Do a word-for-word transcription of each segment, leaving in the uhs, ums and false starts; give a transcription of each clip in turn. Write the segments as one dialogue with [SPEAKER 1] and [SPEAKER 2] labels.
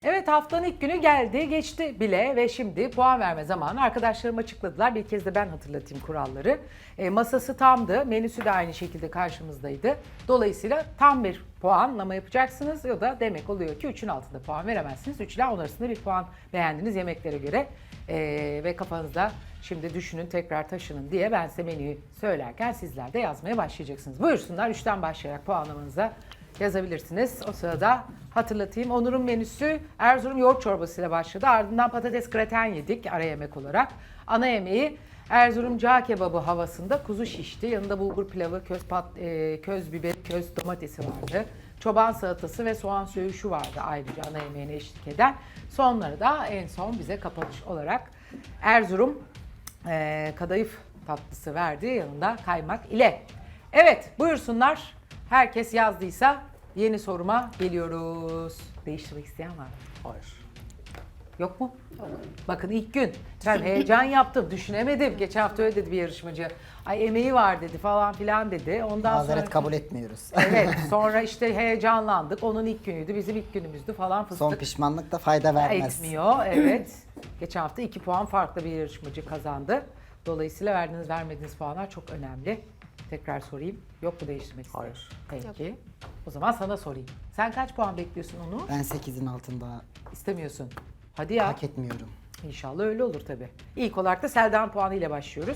[SPEAKER 1] Evet, haftanın ilk günü geldi, geçti bile ve şimdi puan verme zamanı. Arkadaşlarım açıkladılar. Bir kez de ben hatırlatayım kuralları. E, masası tamdı, menüsü de aynı şekilde karşımızdaydı. Dolayısıyla tam bir puanlama yapacaksınız. O da demek oluyor ki üçün altında puan veremezsiniz. üç ile on arasında bir puan beğendiğiniz yemeklere göre. E, ve kafanızda şimdi düşünün, tekrar taşının diye ben size menüyü söylerken sizler de yazmaya başlayacaksınız. Buyursunlar, üçten başlayarak puanlamanıza yazabilirsiniz. O sırada hatırlatayım. Onur'un menüsü Erzurum yoğurt çorbasıyla başladı. Ardından patates graten yedik ara yemek olarak. Ana yemeği Erzurum cağ kebabı havasında kuzu şişti. Yanında bulgur pilavı, köz, pat, e, köz biber, köz domatesi vardı. Çoban salatası ve soğan söğüşü vardı ayrıca ana yemeğine eşlik eden. Sonları da en son bize kapanış olarak Erzurum e, kadayıf tatlısı verdi. Yanında kaymak ile. Evet, buyursunlar. Herkes yazdıysa yeni soruma geliyoruz. Değiştirmek isteyen var mı?
[SPEAKER 2] Hayır.
[SPEAKER 1] Yok mu? Yok. Bakın ilk gün. Ben heyecan yaptım, düşünemedim. Geçen hafta öyle dedi bir yarışmacı. Ay emeği var dedi falan filan dedi. Ondan
[SPEAKER 3] Mazeret
[SPEAKER 1] sonra...
[SPEAKER 3] kabul etmiyoruz.
[SPEAKER 1] Evet, sonra işte heyecanlandık. Onun ilk günüydü, bizim ilk günümüzdü falan fıstık.
[SPEAKER 3] Son pişmanlık da fayda vermez.
[SPEAKER 1] Etmiyor, evet. Geçen hafta iki puan farklı bir yarışmacı kazandı. Dolayısıyla verdiğiniz vermediğiniz puanlar çok önemli. Tekrar sorayım. Yok mu değiştirmek isteyen?
[SPEAKER 2] Hayır.
[SPEAKER 1] Peki. O zaman sana sorayım. Sen kaç puan bekliyorsun onu?
[SPEAKER 3] Ben sekizin altında
[SPEAKER 1] İstemiyorsun. Hadi ya.
[SPEAKER 3] hak etmiyorum.
[SPEAKER 1] İnşallah öyle olur tabii. İlk olarak da Selda'nın puanı ile başlıyoruz.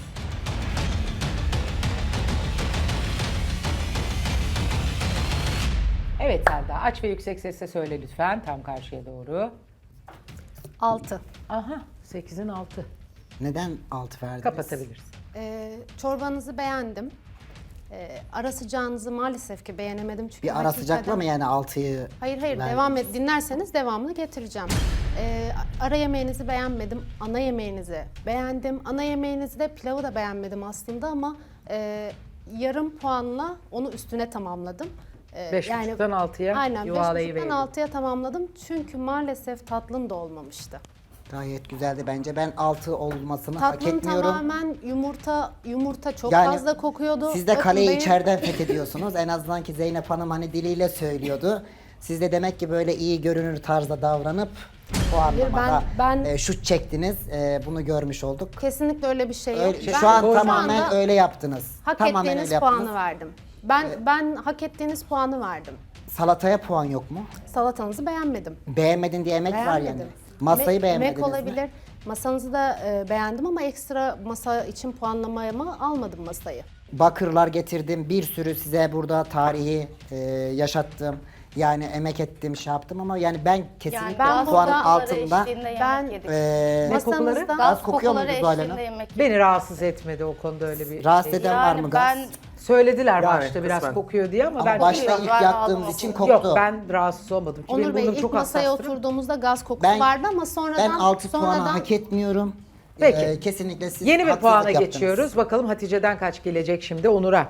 [SPEAKER 1] Evet Selda, aç ve yüksek sesle söyle lütfen. Tam karşıya doğru.
[SPEAKER 4] altı.
[SPEAKER 1] Aha, sekizin altı.
[SPEAKER 3] Neden altı verdiniz?
[SPEAKER 1] Kapatabilirsin.
[SPEAKER 4] Ee, çorbanızı beğendim. Ee, ara sıcağınızı maalesef ki beğenemedim çünkü
[SPEAKER 3] Bir ara
[SPEAKER 4] hakikaten-
[SPEAKER 3] sıcakla mı yani altıyı
[SPEAKER 4] Hayır hayır
[SPEAKER 3] verdiniz?
[SPEAKER 4] devam et. Dinlerseniz devamını getireceğim. Ee, ara yemeğinizi beğenmedim. Ana yemeğinizi beğendim. Ana yemeğinizi de pilavı da beğenmedim aslında ama e, yarım puanla onu üstüne tamamladım. Ee,
[SPEAKER 1] Beş buçuktan altıya
[SPEAKER 4] aynen, beş
[SPEAKER 1] yuvarlayıverdin.
[SPEAKER 4] buçuktan altıya tamamladım. Çünkü maalesef tatlım da olmamıştı.
[SPEAKER 3] Gayet güzeldi bence. Ben altı olmasını hak
[SPEAKER 4] Tatlım
[SPEAKER 3] etmiyorum.
[SPEAKER 4] tamamen yumurta yumurta çok
[SPEAKER 3] Yani
[SPEAKER 4] fazla kokuyordu.
[SPEAKER 3] Siz de
[SPEAKER 4] Bakın
[SPEAKER 3] kaleyi
[SPEAKER 4] benim-
[SPEAKER 3] içeriden fethediyorsunuz. En azından ki Zeynep Hanım hani diliyle söylüyordu. Siz de demek ki böyle iyi görünür tarzda davranıp puanlamada
[SPEAKER 4] ben- ben-
[SPEAKER 3] e, şut çektiniz. E, bunu görmüş olduk.
[SPEAKER 4] Kesinlikle öyle bir şey yok.
[SPEAKER 3] Öyle-
[SPEAKER 4] Ben
[SPEAKER 3] şu an
[SPEAKER 4] şu
[SPEAKER 3] tamamen
[SPEAKER 4] anda
[SPEAKER 3] öyle yaptınız.
[SPEAKER 4] hak
[SPEAKER 3] tamamen
[SPEAKER 4] ettiğiniz
[SPEAKER 3] öyle
[SPEAKER 4] puanı
[SPEAKER 3] yaptınız.
[SPEAKER 4] verdim. Ben ben hak ettiğiniz puanı verdim.
[SPEAKER 3] Salataya puan yok mu?
[SPEAKER 4] Salatanızı beğenmedim.
[SPEAKER 3] Beğenmedin diye emek var yani.
[SPEAKER 4] Beğenmedim.
[SPEAKER 3] Masayı
[SPEAKER 4] Emek-
[SPEAKER 3] beğenmediniz
[SPEAKER 4] emek
[SPEAKER 3] mi?
[SPEAKER 4] olabilir. Masanızı da e, beğendim ama ekstra masa için puanlamaya almadım masayı.
[SPEAKER 3] Bakırlar getirdim. Bir sürü size burada tarihi e, yaşattım. Yani emek ettim, şey yaptım ama yani ben kesinlikle
[SPEAKER 4] ben
[SPEAKER 3] puanın
[SPEAKER 4] burada-
[SPEAKER 3] altında.
[SPEAKER 4] Ben
[SPEAKER 3] E,
[SPEAKER 1] Ne kokuları?
[SPEAKER 4] masanızda
[SPEAKER 3] Az kokuyor muydu Zuhal Hanım?
[SPEAKER 1] Beni rahatsız etmedi o konuda öyle bir
[SPEAKER 3] Rahatsız
[SPEAKER 1] şey.
[SPEAKER 3] eden var mı gaz?
[SPEAKER 5] ben
[SPEAKER 1] Söylediler
[SPEAKER 2] Yani
[SPEAKER 1] başta biraz
[SPEAKER 2] kısmen.
[SPEAKER 1] kokuyor diye ama,
[SPEAKER 3] Ama
[SPEAKER 1] ben
[SPEAKER 3] başta
[SPEAKER 5] Yok,
[SPEAKER 3] ilk
[SPEAKER 5] ben
[SPEAKER 3] yaktığımız
[SPEAKER 5] aldım
[SPEAKER 3] için
[SPEAKER 5] onu.
[SPEAKER 3] koktu.
[SPEAKER 1] Yok, ben rahatsız olmadım ki
[SPEAKER 4] Onur
[SPEAKER 1] benim
[SPEAKER 4] Bey
[SPEAKER 1] burnum
[SPEAKER 4] ilk
[SPEAKER 1] çok
[SPEAKER 4] masaya
[SPEAKER 1] hassastır.
[SPEAKER 4] oturduğumuzda gaz kokusu
[SPEAKER 3] Ben-
[SPEAKER 4] vardı ama sonradan
[SPEAKER 3] Ben altı puanı
[SPEAKER 4] sonradan
[SPEAKER 3] hak etmiyorum.
[SPEAKER 1] Peki.
[SPEAKER 3] E, kesinlikle siz
[SPEAKER 1] Yeni bir
[SPEAKER 3] haksızlık
[SPEAKER 1] puana
[SPEAKER 3] yaptınız.
[SPEAKER 1] geçiyoruz. Bakalım Hatice'den kaç gelecek şimdi Onur'a.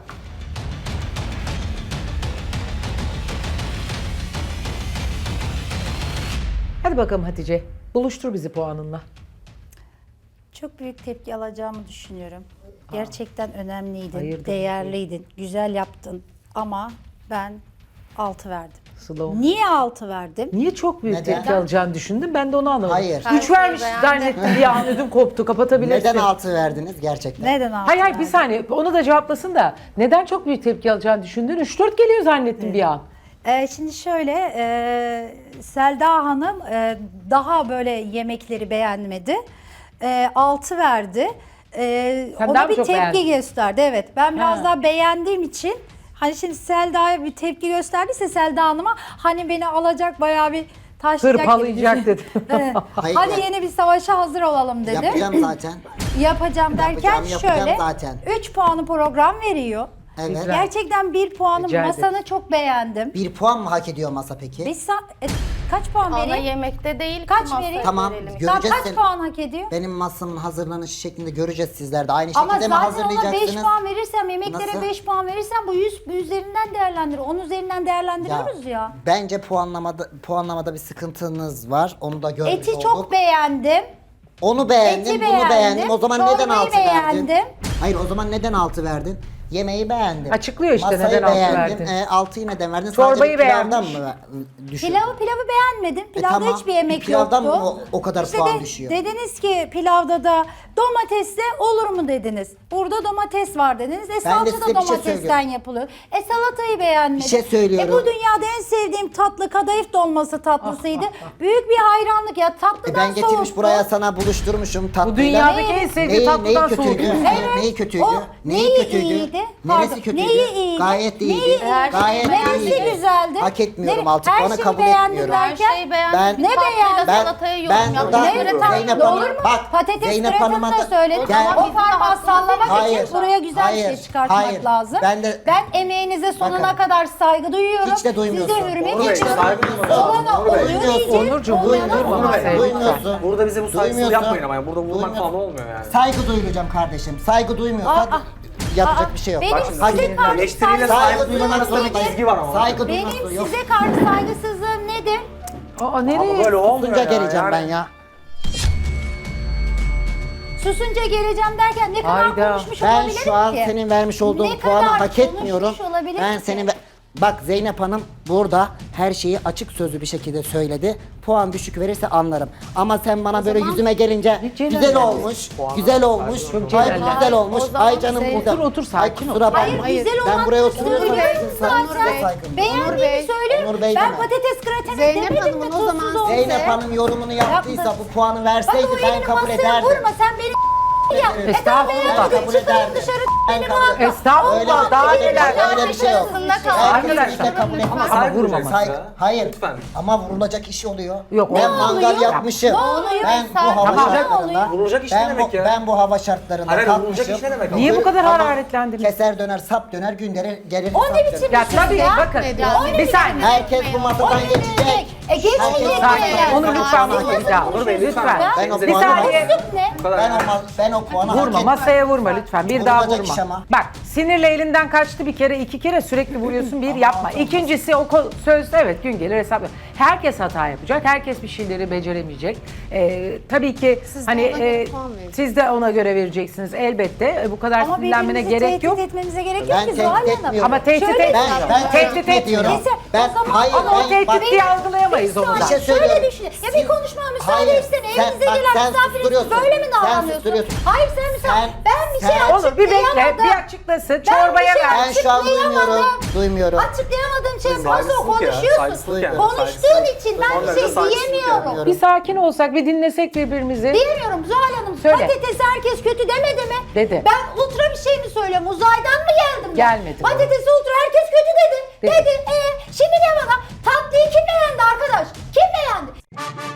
[SPEAKER 1] Hadi bakalım Hatice. Buluştur bizi puanınla.
[SPEAKER 5] çok büyük tepki alacağımı düşünüyorum. Gerçekten önemliydin,
[SPEAKER 1] Hayırdır?
[SPEAKER 5] değerliydin, güzel yaptın ama ben altı verdim.
[SPEAKER 1] Slow.
[SPEAKER 5] Niye altı verdim?
[SPEAKER 1] Niye çok büyük
[SPEAKER 3] Neden?
[SPEAKER 1] tepki alacağını düşündün? Ben de onu anlamadım.
[SPEAKER 3] Hayır.
[SPEAKER 1] Üç
[SPEAKER 4] Her şeyi
[SPEAKER 1] vermiş
[SPEAKER 4] beğendim.
[SPEAKER 1] zannettim bir an ödüm koptu. Kapatabilirsin.
[SPEAKER 3] Neden altı verdiniz gerçekten?
[SPEAKER 5] Neden altı
[SPEAKER 1] Hayır hayır bir
[SPEAKER 5] verdim?
[SPEAKER 1] saniye onu da cevaplasın da. Neden çok büyük tepki alacağını düşündün? Üç dört geliyor zannettim bir an.
[SPEAKER 5] Ee, şimdi şöyle, e, Selda Hanım e, daha böyle yemekleri beğenmedi. E, altı verdi. E,
[SPEAKER 1] Sen daha
[SPEAKER 5] ona
[SPEAKER 1] mı
[SPEAKER 5] bir
[SPEAKER 1] çok
[SPEAKER 5] tepki
[SPEAKER 1] beğendin?
[SPEAKER 5] gösterdi. Evet, ben biraz
[SPEAKER 1] Ha.
[SPEAKER 5] daha beğendiğim için hani şimdi Selda'ya bir tepki gösterdiyse Selda Hanım'a hani beni alacak bayağı bir taşlayacak gibi
[SPEAKER 1] Hırpalayacak
[SPEAKER 5] düşün-
[SPEAKER 1] dedi.
[SPEAKER 5] Evet.
[SPEAKER 3] Hayır,
[SPEAKER 5] Hadi
[SPEAKER 3] yani-
[SPEAKER 5] yeni bir savaşa hazır olalım dedi.
[SPEAKER 3] Yapacağım zaten.
[SPEAKER 5] Yapacağım derken
[SPEAKER 3] Yapacağım, yapacağım
[SPEAKER 5] şöyle
[SPEAKER 3] zaten.
[SPEAKER 5] üç puanı program veriyor.
[SPEAKER 3] Evet.
[SPEAKER 1] Güzel.
[SPEAKER 5] Gerçekten bir puanı
[SPEAKER 1] Rica ederim.
[SPEAKER 5] masanı çok beğendim.
[SPEAKER 3] Bir puan mı hak ediyor masa peki?
[SPEAKER 5] Biz sa- e, kaç puan
[SPEAKER 6] Ana
[SPEAKER 5] vereyim?
[SPEAKER 6] yemekte değil
[SPEAKER 5] Kaç
[SPEAKER 6] ki masaya
[SPEAKER 5] vereyim?
[SPEAKER 3] Tamam,
[SPEAKER 6] verelim.
[SPEAKER 3] gö-
[SPEAKER 5] Tamam,
[SPEAKER 3] Göreceğiz
[SPEAKER 5] kaç
[SPEAKER 3] seni.
[SPEAKER 5] puan hak ediyor?
[SPEAKER 3] Benim masamın hazırlanışı şeklinde göreceğiz sizler de. Aynı
[SPEAKER 5] Ama
[SPEAKER 3] şekilde mi
[SPEAKER 5] zaten ona beş
[SPEAKER 3] hazırlayacaksınız?
[SPEAKER 5] puan verirsem, yemeklere
[SPEAKER 3] Nasıl?
[SPEAKER 5] beş puan verirsem bu yüz üzerinden değerlendir. on üzerinden değerlendiriyoruz ya.
[SPEAKER 3] Bence puanlamada puanlamada bir sıkıntınız var. Onu da görmüş
[SPEAKER 5] Eti
[SPEAKER 3] olduk.
[SPEAKER 5] çok beğendim.
[SPEAKER 3] Onu beğendim,
[SPEAKER 5] Eti
[SPEAKER 3] bunu
[SPEAKER 5] beğendim,
[SPEAKER 3] beğendim. O zaman neden
[SPEAKER 5] çorbayı
[SPEAKER 3] altı verdin?
[SPEAKER 5] beğendim.
[SPEAKER 3] Hayır, o zaman neden altı verdin? Yemeği beğendim.
[SPEAKER 1] Açıklıyor işte
[SPEAKER 3] Masayı
[SPEAKER 1] neden altı
[SPEAKER 3] beğendim.
[SPEAKER 1] verdin.
[SPEAKER 3] E, altıyı neden verdin?
[SPEAKER 1] Çorbayı
[SPEAKER 3] Sadece pilavdan
[SPEAKER 1] beğenmiş.
[SPEAKER 3] mı düşün?
[SPEAKER 5] Pilavı pilavı beğenmedim. Pilavda
[SPEAKER 3] tamam.
[SPEAKER 5] hiçbir yemek
[SPEAKER 3] Pilavdan
[SPEAKER 5] yoktu.
[SPEAKER 3] mı o- o kadar puan düşüyor?
[SPEAKER 5] Dediniz ki pilavda da domatesle olur mu dediniz. Burada domates var dediniz. E
[SPEAKER 3] Ben de
[SPEAKER 5] salça
[SPEAKER 3] size
[SPEAKER 5] da
[SPEAKER 3] bir şey
[SPEAKER 5] domatesten
[SPEAKER 3] söylüyorum.
[SPEAKER 5] yapılıyor. E salatayı beğenmedim.
[SPEAKER 3] Bir şey söylüyorum.
[SPEAKER 5] E bu dünyada en sevdiğim tatlı kadayıf dolması tatlısıydı. Büyük bir hayranlık ya tatlıdan
[SPEAKER 3] E ben getirmiş
[SPEAKER 5] soğuktu.
[SPEAKER 3] buraya sana buluşturmuşum tatlıyla.
[SPEAKER 1] Bu dünyadaki
[SPEAKER 5] Neyi-
[SPEAKER 1] en sevdiği
[SPEAKER 3] Neyi, neyi
[SPEAKER 1] tatlıdan
[SPEAKER 3] kötüydü?
[SPEAKER 1] soğudu.
[SPEAKER 5] Evet.
[SPEAKER 3] Neyi kötüydü?
[SPEAKER 5] O
[SPEAKER 3] neyi,
[SPEAKER 5] neyi
[SPEAKER 3] kötüydü?
[SPEAKER 5] iyiydi?
[SPEAKER 3] Neresi
[SPEAKER 5] Pardon,
[SPEAKER 3] kötüydü?
[SPEAKER 5] neyi iyiydi?
[SPEAKER 3] Gayet
[SPEAKER 5] Neyi
[SPEAKER 3] iyiydi.
[SPEAKER 5] iyiydi?
[SPEAKER 3] Gayet
[SPEAKER 5] Neresi
[SPEAKER 3] iyiydi.
[SPEAKER 5] güzeldi?
[SPEAKER 3] Hak etmiyorum
[SPEAKER 5] Nere-
[SPEAKER 3] artık.
[SPEAKER 5] her
[SPEAKER 3] Bana
[SPEAKER 5] şeyi
[SPEAKER 3] kabul
[SPEAKER 5] beğendim
[SPEAKER 3] etmiyorum.
[SPEAKER 5] derken-
[SPEAKER 4] Her şeyi beğendim.
[SPEAKER 3] Ben-
[SPEAKER 4] Bir
[SPEAKER 5] Ne
[SPEAKER 4] tatlıyla
[SPEAKER 5] beğendin?
[SPEAKER 3] Ben,
[SPEAKER 4] salataya yorum
[SPEAKER 3] ben
[SPEAKER 4] yaptım.
[SPEAKER 3] burada
[SPEAKER 5] Neye göre tatlı
[SPEAKER 3] Zeynep
[SPEAKER 5] olur
[SPEAKER 3] Hanım,
[SPEAKER 5] mu?
[SPEAKER 3] bak
[SPEAKER 5] Patates
[SPEAKER 3] Zeynep
[SPEAKER 5] püresini
[SPEAKER 3] Hanım'a
[SPEAKER 5] de
[SPEAKER 3] da
[SPEAKER 5] söyledim.
[SPEAKER 3] gel.
[SPEAKER 5] O parmağı sallamak
[SPEAKER 3] Hayır,
[SPEAKER 5] için buraya güzel bir
[SPEAKER 3] hayır,
[SPEAKER 5] şey çıkartmak
[SPEAKER 3] hayır.
[SPEAKER 5] lazım.
[SPEAKER 3] Ben de-
[SPEAKER 5] ben emeğinize sonuna
[SPEAKER 3] Bakın.
[SPEAKER 5] kadar saygı duyuyorum.
[SPEAKER 3] Hiç de duymuyorsun.
[SPEAKER 5] Size hürmet
[SPEAKER 2] Onur Bey,
[SPEAKER 5] ediyorum.
[SPEAKER 2] saygı duymuyorsun.
[SPEAKER 5] Olana
[SPEAKER 2] Onur Bey.
[SPEAKER 5] oluyor
[SPEAKER 3] Duymuyorsun.
[SPEAKER 5] diyeceğim.
[SPEAKER 1] Onurcuğum,
[SPEAKER 5] olmayana
[SPEAKER 1] duymuyorsun.
[SPEAKER 5] olmaz.
[SPEAKER 1] Onur Bey.
[SPEAKER 3] Duymuyorsun.
[SPEAKER 2] Burada bize bu saygısızlık
[SPEAKER 3] Duymuyorsun.
[SPEAKER 2] yapmayın ama yani burada vurmak
[SPEAKER 3] Duymuyorsun.
[SPEAKER 2] falan olmuyor yani.
[SPEAKER 3] Saygı duyulacağım kardeşim. Saygı duymuyorsan
[SPEAKER 5] Aa,
[SPEAKER 3] yapacak
[SPEAKER 5] aa,
[SPEAKER 3] bir şey yok.
[SPEAKER 5] benim
[SPEAKER 2] Bak şimdi,
[SPEAKER 3] Hak
[SPEAKER 5] size
[SPEAKER 3] etmiyorum.
[SPEAKER 5] karşı
[SPEAKER 2] eleştiriyle
[SPEAKER 5] saygısızlığım
[SPEAKER 2] saygı duymanın arasında bir
[SPEAKER 5] nedir?
[SPEAKER 2] çizgi var ama.
[SPEAKER 3] Saygı
[SPEAKER 5] Benim
[SPEAKER 3] duyması yok.
[SPEAKER 5] size karşı saygısızlığım nedir?
[SPEAKER 1] Aa
[SPEAKER 2] Ama
[SPEAKER 1] nereye?
[SPEAKER 2] böyle olmuyor
[SPEAKER 3] Susunca
[SPEAKER 2] ya.
[SPEAKER 3] geleceğim
[SPEAKER 2] yani.
[SPEAKER 3] ben ya.
[SPEAKER 5] Susunca geleceğim derken ne kadar
[SPEAKER 1] Hayda.
[SPEAKER 5] konuşmuş
[SPEAKER 3] Ben
[SPEAKER 5] olabilirim
[SPEAKER 3] şu an
[SPEAKER 5] ki?
[SPEAKER 3] senin vermiş olduğun
[SPEAKER 5] Ne
[SPEAKER 3] puanı
[SPEAKER 5] kadar
[SPEAKER 3] hak etmiyorum.
[SPEAKER 5] konuşmuş olabilirim
[SPEAKER 3] Ben
[SPEAKER 5] ki?
[SPEAKER 3] senin ve- Bak Zeynep Hanım burada her şeyi açık sözlü bir şekilde söyledi. Puan düşük verirse anlarım. Ama sen bana böyle yüzüme gelince
[SPEAKER 1] Ne
[SPEAKER 3] güzel
[SPEAKER 1] celallendin?
[SPEAKER 3] olmuş, güzel olmuş,
[SPEAKER 1] Çok
[SPEAKER 3] ay
[SPEAKER 1] celallendin.
[SPEAKER 3] güzel olmuş,
[SPEAKER 4] O zaman
[SPEAKER 3] ay canım
[SPEAKER 4] Zeynep-
[SPEAKER 3] burada.
[SPEAKER 1] Otur, otur, sakin
[SPEAKER 3] Ay,
[SPEAKER 1] ol.
[SPEAKER 3] kusura bakma.
[SPEAKER 5] Hayır,
[SPEAKER 4] Hayır,
[SPEAKER 5] güzel
[SPEAKER 3] ben
[SPEAKER 5] olan
[SPEAKER 3] buraya
[SPEAKER 5] kısmını
[SPEAKER 3] oturuyorum.
[SPEAKER 5] söylüyorum
[SPEAKER 3] Saygı-
[SPEAKER 5] zaten.
[SPEAKER 3] saygım.
[SPEAKER 4] Onur
[SPEAKER 5] Beğendiğimi
[SPEAKER 4] Bey,
[SPEAKER 5] söylüyorum.
[SPEAKER 3] Onur Bey
[SPEAKER 5] Ben
[SPEAKER 3] deme.
[SPEAKER 5] patates grateni
[SPEAKER 4] Zeynep
[SPEAKER 5] demedim
[SPEAKER 4] Hanım'ın
[SPEAKER 5] mi
[SPEAKER 4] o
[SPEAKER 5] tuzsuz
[SPEAKER 4] zaman-
[SPEAKER 5] olsa?
[SPEAKER 3] Zeynep Hanım yorumunu yaptıysa
[SPEAKER 5] Yaptı.
[SPEAKER 3] bu puanı
[SPEAKER 5] Bak
[SPEAKER 3] verseydi
[SPEAKER 5] o
[SPEAKER 3] ben
[SPEAKER 5] elini
[SPEAKER 3] kabul
[SPEAKER 5] masaya
[SPEAKER 3] ederdim.
[SPEAKER 5] vurma sen beni ya. E tamam
[SPEAKER 1] Estağfurullah.
[SPEAKER 5] beğenmedin
[SPEAKER 3] Kabul
[SPEAKER 5] çıkayım
[SPEAKER 3] ederdim.
[SPEAKER 5] dışarı
[SPEAKER 3] Ben
[SPEAKER 5] beni
[SPEAKER 3] kabul
[SPEAKER 5] bağırma.
[SPEAKER 3] ederdim.
[SPEAKER 1] Estağfurullah,
[SPEAKER 3] Öyle-
[SPEAKER 1] daha
[SPEAKER 3] öyle-
[SPEAKER 1] neler.
[SPEAKER 3] öyle bir şey yok.
[SPEAKER 4] Arasında kal.
[SPEAKER 3] Herkes
[SPEAKER 1] Arkadaşlar.
[SPEAKER 3] de kabul etmez.
[SPEAKER 1] Ama vurmamak.
[SPEAKER 3] Saygı- Hayır.
[SPEAKER 2] Lütfen.
[SPEAKER 3] Ama vurulacak iş oluyor.
[SPEAKER 1] Yok,
[SPEAKER 3] Ben
[SPEAKER 1] olmuyor.
[SPEAKER 3] mangal yapmışım.
[SPEAKER 5] Ne oluyor?
[SPEAKER 3] Ben bu
[SPEAKER 4] Tamam,
[SPEAKER 3] hava
[SPEAKER 1] tamam.
[SPEAKER 3] şartlarında.
[SPEAKER 2] Vurulacak iş ne
[SPEAKER 3] ben
[SPEAKER 2] demek
[SPEAKER 3] bu,
[SPEAKER 2] ya?
[SPEAKER 3] Ben bu hava şartlarında
[SPEAKER 2] Hayır, hayır, vurulacak
[SPEAKER 3] kalkmışım.
[SPEAKER 2] iş ne demek?
[SPEAKER 1] Niye bu kadar
[SPEAKER 3] Ama
[SPEAKER 1] hararetlendiniz?
[SPEAKER 3] Keser döner, sap döner, gün gelir, gelir
[SPEAKER 5] O
[SPEAKER 3] sap
[SPEAKER 5] ne biçim
[SPEAKER 3] döner.
[SPEAKER 1] Ya
[SPEAKER 5] bir söz
[SPEAKER 1] tabii
[SPEAKER 5] ya?
[SPEAKER 1] bakın.
[SPEAKER 4] Ya,
[SPEAKER 1] Bir saniye.
[SPEAKER 3] Herkes bu masadan geçecek.
[SPEAKER 5] E geçmeyecek
[SPEAKER 1] Sakin.
[SPEAKER 5] yani.
[SPEAKER 1] Onu lütfen vurma bir daha.
[SPEAKER 2] Onur Bey,
[SPEAKER 1] Lütfen.
[SPEAKER 3] Ben o
[SPEAKER 1] Bir
[SPEAKER 3] puanı
[SPEAKER 1] saniye.
[SPEAKER 5] Üslup ne?
[SPEAKER 2] Bu kadar
[SPEAKER 3] Ben
[SPEAKER 2] yani.
[SPEAKER 3] o, ma- ben o puanı hak
[SPEAKER 1] Vurma,
[SPEAKER 3] etmem.
[SPEAKER 1] masaya vurma lütfen. Bir daha
[SPEAKER 3] Vurulacak iş
[SPEAKER 1] vurma.
[SPEAKER 3] ama.
[SPEAKER 1] Bak sinirle elinden kaçtı bir kere, iki kere sürekli vuruyorsun. Bir yapma. İkincisi o ko- söz evet gün gelir hesap. Herkes hata yapacak. Herkes bir şeyleri beceremeyecek. Ee, tabii ki
[SPEAKER 4] Siz de
[SPEAKER 1] hani
[SPEAKER 4] ona göre
[SPEAKER 1] e,
[SPEAKER 4] puan verin.
[SPEAKER 1] siz de ona göre vereceksiniz elbette. E, bu kadar
[SPEAKER 5] Ama
[SPEAKER 1] sinirlenmene
[SPEAKER 5] birbirimizi
[SPEAKER 1] gerek
[SPEAKER 5] tehdit
[SPEAKER 1] yok.
[SPEAKER 5] etmemize gerek yok
[SPEAKER 3] Ben
[SPEAKER 5] ki Zuhal
[SPEAKER 3] tehdit
[SPEAKER 5] Hanım.
[SPEAKER 3] etmiyorum.
[SPEAKER 1] Ama tehdit
[SPEAKER 5] Şöyle
[SPEAKER 1] etmiyor.
[SPEAKER 3] Ben, ben
[SPEAKER 1] Tehdit
[SPEAKER 3] tehdit
[SPEAKER 1] etmiyor.
[SPEAKER 3] ediyorum.
[SPEAKER 5] Neyse,
[SPEAKER 3] Ben,
[SPEAKER 5] o zaman
[SPEAKER 3] hayır,
[SPEAKER 1] ama o
[SPEAKER 3] ben,
[SPEAKER 1] tehdit
[SPEAKER 3] bak-
[SPEAKER 1] diye algılayamayız onu da.
[SPEAKER 3] Bir şey
[SPEAKER 5] Şöyle
[SPEAKER 3] söylüyorum.
[SPEAKER 5] düşün. Ya bir konuşmaya müsaade
[SPEAKER 3] Hayır,
[SPEAKER 5] etsene.
[SPEAKER 3] sen-
[SPEAKER 5] Evimize
[SPEAKER 3] bak,
[SPEAKER 5] gelen
[SPEAKER 3] sen
[SPEAKER 5] misafiriz.
[SPEAKER 3] susturuyorsun.
[SPEAKER 5] Böyle mi
[SPEAKER 3] Sen
[SPEAKER 5] davranıyorsun?
[SPEAKER 3] susturuyorsun.
[SPEAKER 5] Hayır sen müsaade.
[SPEAKER 3] Sen-
[SPEAKER 5] Ben bir şey
[SPEAKER 3] sen-
[SPEAKER 1] Olur bir bekle,
[SPEAKER 5] açıklayamadım.
[SPEAKER 1] bir açıklasın.
[SPEAKER 5] Ben
[SPEAKER 1] Çorbaya
[SPEAKER 5] bir şey
[SPEAKER 1] ver.
[SPEAKER 3] Ben şu an duymuyorum.
[SPEAKER 5] açıklayamadım.
[SPEAKER 3] Duymuyorum.
[SPEAKER 5] Açıklayamadığım şey fazla
[SPEAKER 2] Saygısızlık ya,
[SPEAKER 5] konuşuyorsun.
[SPEAKER 2] saygısızlık yani,
[SPEAKER 5] Konuştuğun
[SPEAKER 2] saygısızlık.
[SPEAKER 5] için ben
[SPEAKER 2] Son
[SPEAKER 5] bir
[SPEAKER 2] derece
[SPEAKER 5] şey
[SPEAKER 2] saygısızlık
[SPEAKER 5] diyemiyorum.
[SPEAKER 1] Bir sakin olsak, bir dinlesek birbirimizi.
[SPEAKER 5] Diyemiyorum Zuhal Hanım.
[SPEAKER 1] Söyle.
[SPEAKER 5] Patatesi herkes kötü demedi mi?
[SPEAKER 1] Dedi.
[SPEAKER 5] Ben ultra bir şey mi söylüyorum? Uzaydan mı geldim ben?
[SPEAKER 1] Gelmedi.
[SPEAKER 5] Patatesi ultra herkes kötü dedi.
[SPEAKER 1] Dedi.
[SPEAKER 5] Dedi. E, şimdi ne bana? Tatlıyı kim beğendi arkadaş? Kim beğendi?